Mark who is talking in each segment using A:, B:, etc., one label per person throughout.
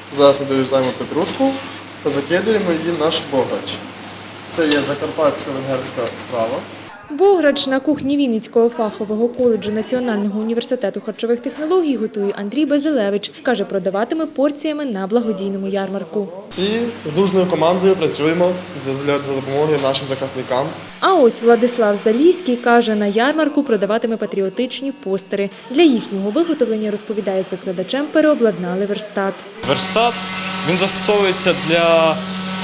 A: Зараз ми дорізаємо петрушку та закидуємо її в наш бограч. Це є закарпатсько-венгерська страва.
B: Бограч на кухні Вінницького фахового коледжу Національного університету харчових технологій готує Андрій Базилевич. Каже, продаватиме порціями на благодійному ярмарку.
A: Всі дружною командою працюємо для допомоги нашим захисникам.
B: А ось Владислав Заліський каже, на ярмарку продаватиме патріотичні постери. Для їхнього виготовлення, розповідає, з викладачем переобладнали верстат.
C: Верстат, він застосовується для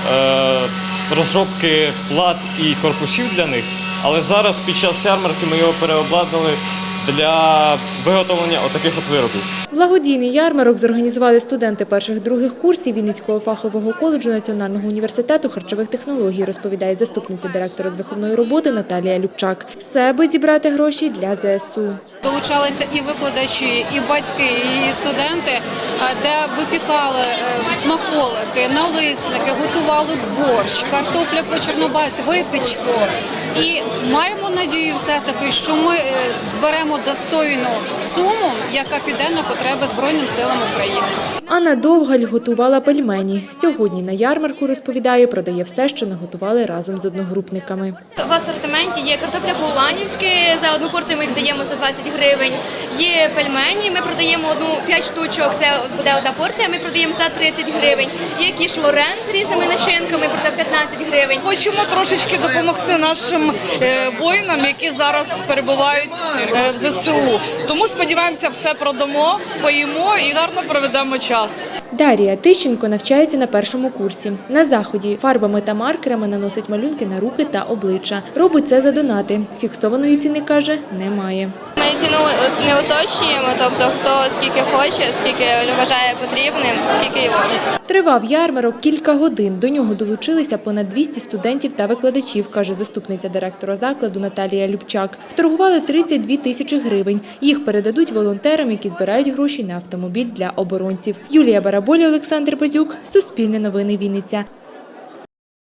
C: розробки плат і корпусів для них, але зараз під час ярмарки ми його переобладнали для виготовлення отаких от виробів.
B: Благодійний ярмарок зорганізували студенти перших-других курсів Вінницького фахового коледжу Національного університету харчових технологій, розповідає заступниця директора з виховної роботи Наталія Любчак. Все, аби зібрати гроші для ЗСУ.
D: Долучалися і викладачі, і батьки, і студенти, де випікали смаколики, налисники, готували борщ, картопля по-чорнобайськи, випічку. І маємо надію все-таки, що ми зберемо достойну суму, яка піде на потреби Збройним силам України.
B: Анна Довгаль готувала пельмені. Сьогодні на ярмарку, розповідає, продає все, що наготували разом з одногрупниками.
E: В асортименті є картопля по-уланівськи, за одну порцію ми віддаємо за 20 гривень. Є пельмені, ми продаємо 5 штучок, це буде одна порція, ми продаємо за 30 гривень. Є кіш лорен з різними начинками, за 15 гривень.
F: Хочемо трошечки допомогти нашим воїнам, які зараз перебувають в ЗСУ. Тому сподіваємося, все продамо, поїмо і гарно проведемо час.
B: Дар'я Тищенко навчається на першому курсі. На заході фарбами та маркерами наносить малюнки на руки та обличчя. Робить це за донати. Фіксованої ціни, каже, немає.
E: Ми ціну не уточнюємо, тобто хто скільки хоче, скільки вважає потрібним, скільки й ложить.
B: Тривав ярмарок кілька годин. До нього долучилися понад 200 студентів та викладачів, каже заступниця директора закладу Наталія Любчак. Вторгували 32 тисячі гривень. Їх передадуть волонтерам, які збирають гроші на автомобіль для оборонців. Юлія Бараболя, Олександр Базюк, Суспільне новини, Вінниця.